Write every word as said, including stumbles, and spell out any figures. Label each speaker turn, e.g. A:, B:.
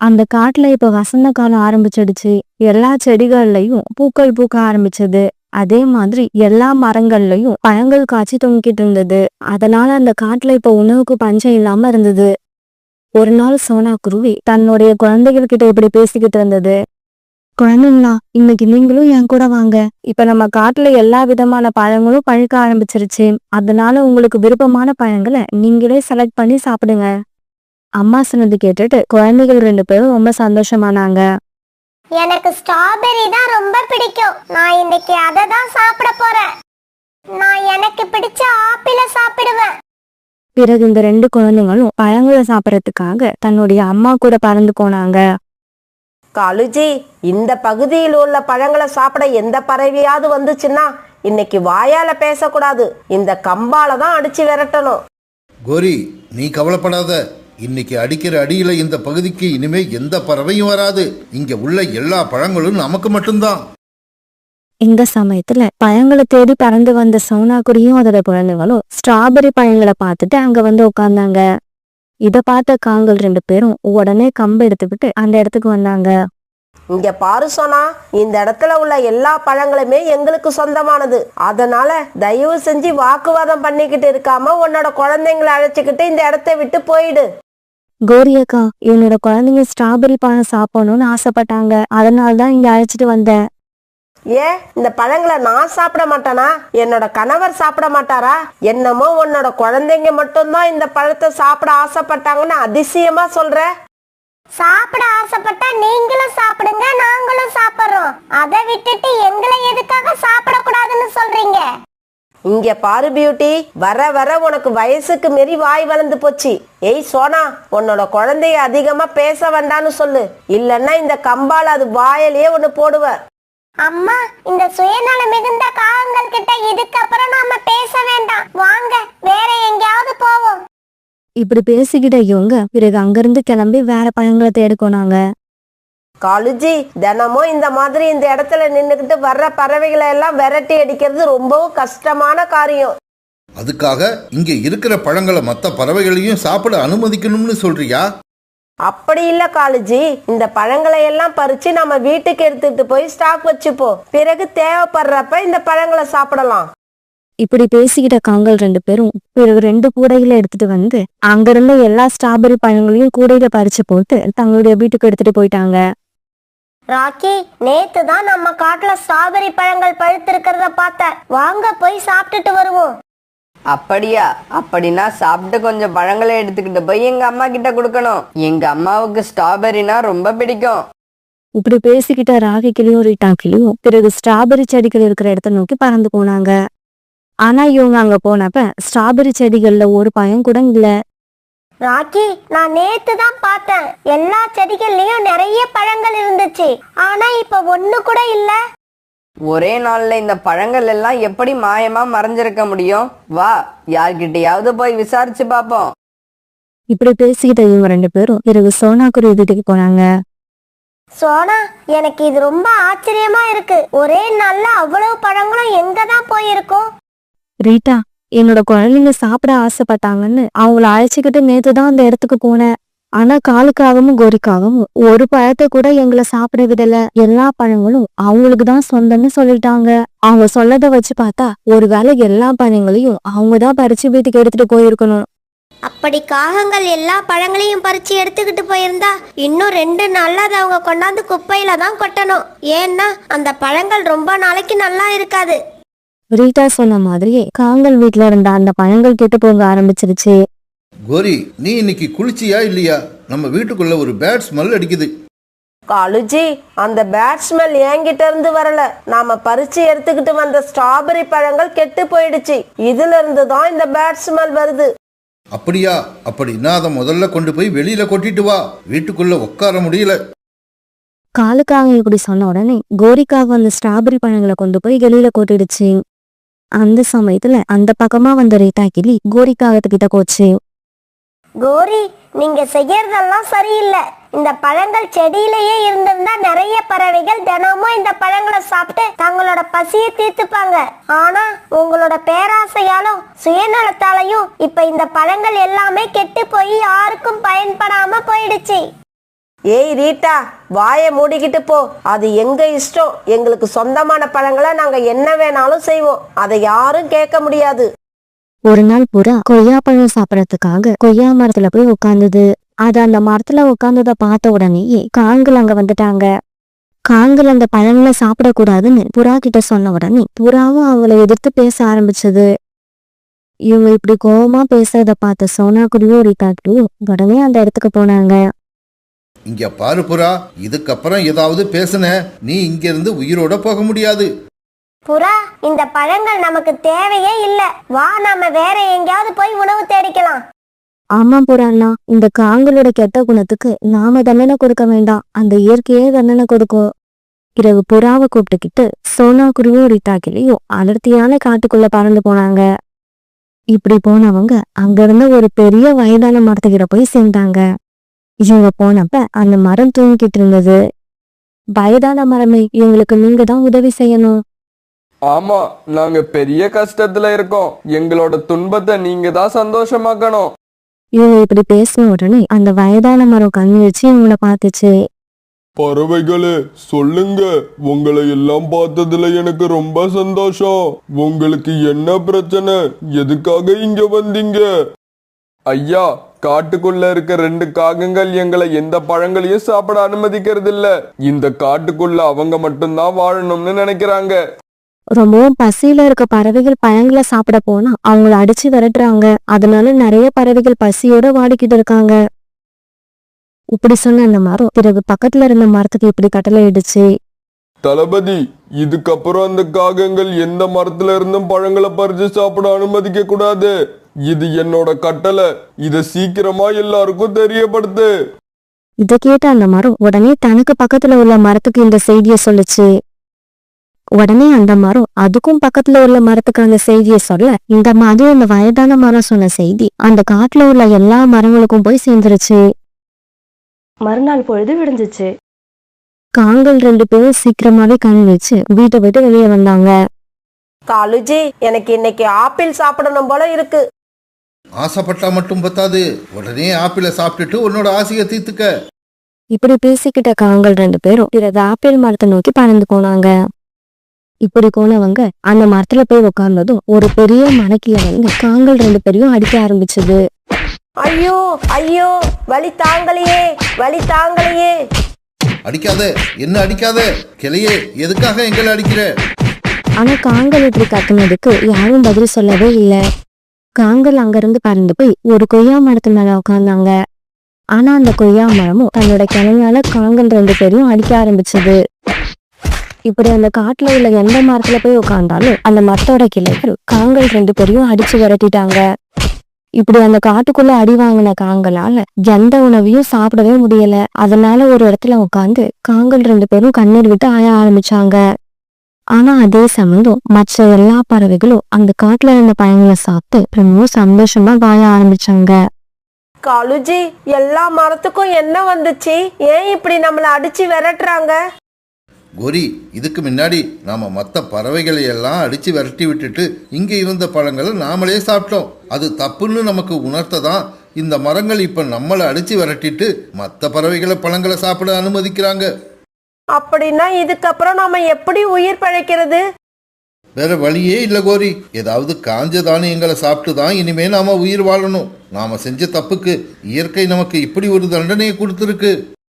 A: அந்த காட்டுல இப்ப வசந்த காலம் ஆரம்பிச்சிடுச்சு. எல்லா செடிகள்லயும் பூக்கள் பூக்க ஆரம்பிச்சது. அதே மாதிரி எல்லா மரங்கள்லயும் பழங்கள் காய்ச்சி தொங்கிட்டு இருந்தது. அதனால அந்த காட்டுல இப்ப உணவுக்கு பஞ்சம் இல்லாம இருந்தது. ஒரு நாள் சோனா குருவி தன்னுடைய குழந்தைகள் கிட்ட இப்படி பேசிக்கிட்டு இருந்தது. குழந்தைங்களா, இன்னைக்கு நீங்களும் என் கூட வாங்க. இப்ப நம்ம காட்டுல எல்லா விதமான பழங்களும் பழுக்க ஆரம்பிச்சிருச்சு. அதனால உங்களுக்கு விருப்பமான பழங்களை நீங்களே செலக்ட் பண்ணி சாப்பிடுங்க. அம்மா சொன்னது கேட்டுட்டு குழந்தைகள் ரெண்டு பேரும் ரொம்ப சந்தோஷமானாங்க.
B: எனக்கு ஸ்ட்ராபெரி தான் ரொம்ப பிடிக்கும். நான் இன்னைக்கு அதை தான் சாப்பிட போறேன். நான் எனக்கு பிடிச்ச ஆப்பிள சாப்பிடுவேன்.
A: பிறகு இந்த ரெண்டு குழந்தைங்களும் பழங்களை சாப்பிடறதுக்காக தன்னுடைய அம்மா கூட பறந்து போனாங்க.
C: காலுஜி, இந்த பகுதியில் உள்ள பழங்களை சாப்பிட எந்த பறவையாவது வந்துச்சுன்னா இன்னைக்கு வாயால பேசக்கூடாது, இந்த கம்பால தான் அடிச்சு விரட்டணும்.
D: கோரி, நீ கவலைப்படாத. இன்னைக்கு அடிக்கிற அடியில இந்த பகுதிக்கு இனிமே எந்த பறவையும் வராது. இங்க உள்ள எல்லா பழங்களும் நமக்கு மட்டும்தான்.
A: இந்த சமயத்துல பழங்களை தேடி பறந்து வந்த சோனாக்குடியும் அதோட குழந்தைங்களும் ஸ்ட்ராபெரி பழங்களை பார்த்துட்டு அங்க வந்து உட்கார்ந்தாங்க. இத பார்த்த காங்கள் ரெண்டு பேரும் உடனே கம்பு எடுத்துக்கிட்டு அந்த இடத்துக்கு வந்தாங்க.
C: இங்க பாரு சோனா, இந்த இடத்துல உள்ள எல்லா பழங்களுமே எங்களுக்கு சொந்தமானது. அதனால தயவு செஞ்சு வாக்குவாதம் பண்ணிக்கிட்டு இருக்காம உன்னோட குழந்தைங்களை அழைச்சிக்கிட்டு இந்த இடத்த விட்டு போயிடு.
A: கோரியக்கா, என்னோட குழந்தைங்க ஸ்ட்ராபெரி பழம் சாப்பிடணும்னு ஆசைப்பட்டாங்க. அதனாலதான் இங்க அழைச்சிட்டு வந்தேன்.
C: ஏன் இந்த பழங்களை நான் சாப்பிட மாட்டானா? என்னோட கணவர் சாப்பிட மாட்டாரா? என்னமோ உன்னோட குழந்தைங்க மட்டும்தான் இந்த பழத்தை சாப்பிட ஆசைப்பட்டாங்கன்னு அதிசயமா சொல்ற.
B: சாப்பிட ஆசைப்பட்டா நீங்களும் சாப்பிடுங்க, நாங்களும் சாப்பிடுறோம். அதை விட்டுட்டு எங்களை எதுக்காக சாப்பிடக்கூடாதுன்னு சொல்றீங்க?
C: இங்க பாரு பியூட்டி, வர வர உனக்கு வயசுக்கு மீறி வாய் வளர்ந்து போச்சு. ஏய் சோனா, உன்னோட குழந்தைய அதிகமா பேச வேண்டான்னு சொல்லு, இல்லன்னா இந்த கம்பால அது வாயிலேயே ஒண்ணு போடுவ.
B: அம்மா, இந்த சுயநல மிகுந்த காகங்கள் கிட்ட இதுக்கப்புறம் நாம பேச வேண்டாம். வாங்க வேற எங்கேயாவது போவோம்.
A: இப்படி பேசிக்கிட்ட இவங்க பிறகு அங்கிருந்து கிளம்பி வேற பழங்களை தேடிக்கோனாங்க.
C: காலுஜி, தினமும் இந்த மாதிரி இந்த இடத்துல நின்னுக்கிட்டு வர்ற பறவைகளை எல்லாம் விரட்டி அடிக்கிறது ரொம்பவும் கஷ்டமான காரியம்.
D: அதுக்காக இங்க இருக்கிற பழங்களை மற்ற பறவைகளையும் சாப்பிட அனுமதிக்கணும்னு சொல்றியா?
C: அப்படி இல்ல காலுஜி, இந்த பழங்களை எல்லாம் பறிச்சு நம்ம வீட்டுக்கு எடுத்துட்டு போய் ஸ்டாக் வச்சுப்போம். பிறகு தேவைப்படுறப்ப இந்த பழங்களை சாப்பிடலாம்.
A: இப்படி பேசிக்கிட்ட காங்கள் ரெண்டு பேரும் பிறகு ரெண்டு கூடைகளை எடுத்துட்டு வந்து அங்கிருந்த எல்லா ஸ்ட்ராபெரி பழங்களையும் கூடையில பறிச்சு போட்டு தங்களுடைய வீட்டுக்கு எடுத்துட்டு போயிட்டாங்க.
B: ராக்கி, நேத்து தான் நம்ம காட்டுல ஸ்ட்ராபெரி பழங்கள் பழுத்து இருக்கிறத பார்த்தேன். வாங்க போய் சாப்பிட்டுட்டு வருவோம்.
E: அப்படியா? அப்படின்னா சாப்பிட்டு கொஞ்சம் பழங்களை எடுத்துக்கிட்டு போய் எங்க அம்மா கிட்ட கொடுக்கணும். எங்க அம்மாவுக்கு ஸ்ட்ராபெரினா ரொம்ப பிடிக்கும்.
A: இப்படி பேசிக்கிட்ட ராகி கிளியும் ரீட்டா கிளியும் பிறகு ஸ்ட்ராபெரி செடிகள் இருக்கிற இடத்த நோக்கி பறந்து போனாங்க. ஆனா இவங்க அங்க போனப்ப ஸ்ட்ராபெரி செடிகள்ல ஒரு பழம் கூட இல்ல.
B: ராக்கி, நான் நேத்து தான் பார்த்தேன். எல்லா செடிகள்லயும் நிறைய பழங்கள் இருந்துச்சு. ஆனா இப்ப ஒண்ணு கூட இல்ல.
E: ஒரே நாள்ல இந்த பழங்கள் எல்லாம் எப்படி மாயமா மறைஞ்சிருக்க முடியும்? வா, யார்கிட்டயாவது போய் விசாரிச்சு பாப்போம்.
A: இப்படி பேசிக்கிட்ட இவங்க ரெண்டு பேரும் பிறகு சோனாக்குருவி வீட்டுக்கு போனாங்க.
B: சோனா, எனக்கு இது ரொம்ப ஆச்சரியமா இருக்கு. ஒரே நாள்ல அவ்வளவு பழங்களும் எங்க தான் போயிருக்கும்?
A: ரீட்டா, என்னோட குழந்தைங்க சாப்பிட ஆசைப்பட்டாங்கன்னு அவங்கள அழைச்சிக்கிட்டு நேத்துதான் அந்த இடத்துக்கு போனேன். ஆனா காலுக்காகவும் கோரிக்காகவும் ஒரு பழத்தை கூட எங்களை சாப்பிட விடல. எல்லா பழங்களும் அவங்களுக்கு தான் சொந்தம்னு சொல்லிட்டாங்க. அவங்க சொல்லத வச்சு பார்த்தா ஒருவேளை எல்லா பழங்களையும் அவங்கதான் பறிச்சு வீட்டுக்கு எடுத்துட்டு போயிருக்கணும்.
B: அப்படி காகங்கள் எல்லா பழங்களையும் பறிச்சு எடுத்துக்கிட்டு போயிருந்தா இன்னும் ரெண்டு நாள்ல அதை அவங்க கொண்டாந்து குப்பையில தான் கொட்டணும். ஏன்னா அந்த பழங்கள் ரொம்ப நாளைக்கு நல்லா இருக்காது.
A: ரீட்டா சொன்ன மாதிரியே காங்கள் வீட்டுல இருந்த அந்த பழங்கள் கெட்டு போக ஆரம்பிச்சிருச்சு.
D: கோரி, நீ இன்னைக்கு குளிச்சியா இல்லையா? நம்ம வீட்டுக்குள்ள ஒரு பேட் ஸ்மெல் அடிக்குது.
C: காலுஜி, அந்த பேட் ஸ்மெல் என்கிட்ட இருந்து வரல. நாம பறிச்சு எடுத்துக்கிட்டு வந்த ஸ்ட்ராபெரி பழங்கள் கெட்டு போயிடுச்சு. இதுல இருந்து தான் இந்த பேட் ஸ்மெல் வருது.
D: அப்படியா? அப்படின்னா அதை முதல்ல கொண்டு போய் வெளியில கொட்டிட்டு வா. வீட்டுக்குள்ள உட்கார முடியல.
A: காலுக்காக இப்படி சொன்ன உடனே கோரிக்காக அந்த ஸ்ட்ராபெரி பழங்களை கொண்டு போய் வெளியில கொட்டிடுச்சு. அந்த சமயத்துல அந்த பக்கமா வந்த ரீட்டா கிளி கோரிக்காகத்துக்கிட்ட போச்சு.
B: கோரி, நீங்க செய்யறதெல்லாம் சரியில்லை. இந்த பழங்கள் செடியிலேயே இருந்திருந்தா நிறைய பறவைகள் தினமும் இந்த பழங்களை சாப்பிட்டு தங்களோட பசியை தீர்த்துப்பாங்க. ஆனா உங்களோட பேராசையாலும் சுயநலத்தாலையும் இப்ப இந்த பழங்கள் எல்லாமே கெட்டு போய் யாருக்கும் பயன்படாம போயிடுச்சு.
C: ஏய் ரீட்டா, வாயை மூடிக்கிட்டு போ. அது எங்க இஷ்டம். எங்களுக்கு சொந்தமான பழங்களை நாங்க என்ன வேணாலும் செய்வோம். அதை யாரும் கேட்க முடியாது.
A: ஒரு நாள் புறா கொய்யா பழம் சாப்பிடறதுக்காக கொய்யா மரத்துல போய் உட்கார்ந்தது. அது அந்த மரத்துல உட்கார்ந்ததை பார்த்த உடனேயே காங்கள் அங்க வந்துட்டாங்க. காங்கள் அந்த பழங்களை சாப்பிடக்கூடாதுன்னு புறா கிட்ட சொன்ன உடனே புறாவும் அவளை எதிர்த்து பேச ஆரம்பிச்சது. இவங்க இப்படி கோபமா பேசுறத பார்த்த சோனா குருவியும் ரீட்டாக்கியும் உடனே அந்த இடத்துக்கு போனாங்க.
D: இங்க பாரு புறா, இதுக்கப்புறம் ஏதாவது பேசுன நீ இங்க இருந்து உயிரோட போக முடியாது.
B: புறா, இந்த பழங்கள் நமக்கு தேவையே இல்ல. வா, நாம வேற எங்கேயாவது போய் உணவு தேடிக்கலாம்.
A: ஆமா புறாண்ணா, இந்த காங்களோட கெட்ட குணத்துக்கு நாம தண்டனை கொடுக்க வேண்டாம், அந்த இயற்கையே தண்டனை கொடுக்கும். இரவு புறாவை கூப்பிட்டுக்கிட்டு சோனா குருவியும் ரீட்டாக்கிலையும் அடர்த்தியான காட்டுக்குள்ள பறந்து போனாங்க. இப்படி போனவங்க அங்க இருந்த ஒரு பெரிய வயதான மரத்துக்கிட்ட போய் சேர்ந்தாங்க. இவங்க போனப்ப அந்த மரம் தூங்கிட்டு இருந்தது. வயதான மரமே, இவங்களுக்கு நீங்க தான் உதவி செய்யணும்.
F: ஆமா, நாங்க பெரிய கஷ்டத்துல இருக்கோம். எங்களோட துன்பத்தை நீங்க தான் சந்தோஷமாக்கணும்.
A: இவங்க இப்படி பேசின உடனே அந்த வயதான மரம் கண்ணு வச்சு இவங்கள பார்த்துச்சு.
F: பறவைகளே, சொல்லுங்க. உங்களை எல்லாம் பார்த்ததுல எனக்கு ரொம்ப சந்தோஷம். உங்களுக்கு என்ன பிரச்சனை? எதுக்காக இங்க வந்தீங்க? ஐயா, காட்டுக்குள்ள இருக்க ரெண்டு காகங்கள் எங்களை எந்த பழங்களையும் சாப்பிட அனுமதிக்கிறது இல்ல. இந்த காட்டுக்குள்ள அவங்க மட்டும்தான் வாழணும்னு நினைக்கிறாங்க.
A: ரொம்பவும் பசியில இருக்க பறவைகள் பழங்களை சாப்பிட போனா அவங்கள அடிச்சு விரட்டுறாங்க. அதனால நிறைய பறவைகள் பசியோட வாடிக்கிட்டு இருக்காங்க. இப்படி சொன்ன அந்த மரம் பிறகு பக்கத்துல இருந்த மரத்துக்கு இப்படி கட்டளை இடுச்சு.
F: தளபதி, இதுக்கப்புறம் அந்த காகங்கள் எந்த மரத்துல இருந்தும் பழங்களை பறிச்சு சாப்பிட அனுமதிக்க கூடாது. இது என்னோட கட்டளை. இத சீக்கிரமா எல்லாருக்கும் தெரியப்படுத்து.
A: இத கேட்ட அந்த மரம் உடனே தனக்கு பக்கத்துல உள்ள மரத்துக்கு இந்த செய்திய சொல்லுச்சு. உடனே அந்த மரம் அதுக்கும் பக்கத்துல உள்ள மரத்துக்கு அந்த செய்திய சொல்ல, இந்த மாதிரி அந்த வயதான மரம் சொன்ன செய்தி அந்த காட்டுல உள்ள எல்லா மரங்களுக்கும் போய் சேர்ந்துருச்சு.
G: மறுநாள் பொழுது விடிஞ்சிச்சு.
A: காங்கள் ரெண்டு பேரும் சீக்கிரமாவே கண் வச்சு வீட்டை விட்டு வெளியே வந்தாங்க.
C: காலுஜி, எனக்கு இன்னைக்கு ஆப்பிள் சாப்பிடணும் போல இருக்கு.
D: ஆசைப்பட்டா மட்டும் பத்தாது, உடனே ஆப்பிளை சாப்பிட்டுட்டு உன்னோட ஆசையை தீர்த்துக்க.
A: இப்படி பேசிக்கிட்ட காங்கள் ரெண்டு பேரும் பிறகு ஆப்பிள் மரத்தை நோக்கி பறந்து போனாங்க. இப்படி போனவங்க அந்த மரத்துல போய் உட்கார்ந்ததும் ஒரு பெரிய மரக்கில வந்து காங்கள் ரெண்டு பேரையும் அடிக்க ஆரம்பிச்சது.
C: ஐயோ ஐயோ, வலி தாங்கலையே, வலி தாங்கலையே.
D: அடிக்காத, என்ன அடிக்காத கிளையே, எதுக்காக எங்களை அடிக்கிற?
A: ஆனா காங்கள் இப்படி கத்துனதுக்கு யாரும் பதில் சொல்லவே இல்லை. காங்கள் அங்கிருந்து பறந்து போய் ஒரு கொய்யா மரத்து மேல உட்கார்ந்தாங்க. ஆனா அந்த கொய்யா மரமும் தன்னோட கிளையால காங்கள் ரெண்டு பேரையும் அடிக்க ஆரம்பிச்சது. இப்படி அந்த காட்டுல உள்ள எந்த மரத்துல போய் உட்கார்ந்தாலும் அந்த மரத்தோட கிளைகள் காங்கள் ரெண்டு பேரையும் அடிச்சு விரட்டிட்டாங்க. இப்படி அந்த காட்டுக்குள்ள அடி வாங்கின காங்களால எந்த உணவையும் சாப்பிடவே முடியல. அதனால ஒரு இடத்துல உட்காந்து காங்கள் ரெண்டு பேரும் கண்ணீர் விட்டு ஆய ஆரம்பிச்சாங்க. ஆனா அதே சமயம் மற்ற எல்லா பறவைகளும் அந்த காட்டுல இருந்த பழங்களை சாப்பிட்டு ரொம்ப சந்தோஷமா வாழ ஆரம்பிச்சாங்க.
C: காலுஜி, எல்லா மரத்துக்கும் என்ன வந்துச்சு? ஏன் இப்படி நம்மள அடிச்சு விரட்டுறாங்க?
D: கோரி, இதுக்கு முன்னாடி நாம மற்ற பறவைகளை எல்லாம் அடிச்சு விரட்டி விட்டுட்டு இங்க இருந்த பழங்களை நாமளே சாப்பிட்டோம். அது தப்புன்னு நமக்கு உணர்த்ததான் இந்த மரங்கள் இப்ப நம்மளை அடிச்சு விரட்டிட்டு மற்ற பறவைகளை பழங்களை சாப்பிட அனுமதிக்கிறாங்க.
C: அப்படின்னா இதுக்கப்புறம் நாம எப்படி உயிர் பழைக்கிறது?
D: வேற வழியே இல்ல கோரி. ஏதாவது காஞ்ச தானியங்களை சாப்பிட்டு தான் இனிமே நாம உயிர் வாழணும். நாம செஞ்ச தப்புக்கு இயற்கை நமக்கு இப்படி ஒரு தண்டனையை கொடுத்துருக்கு.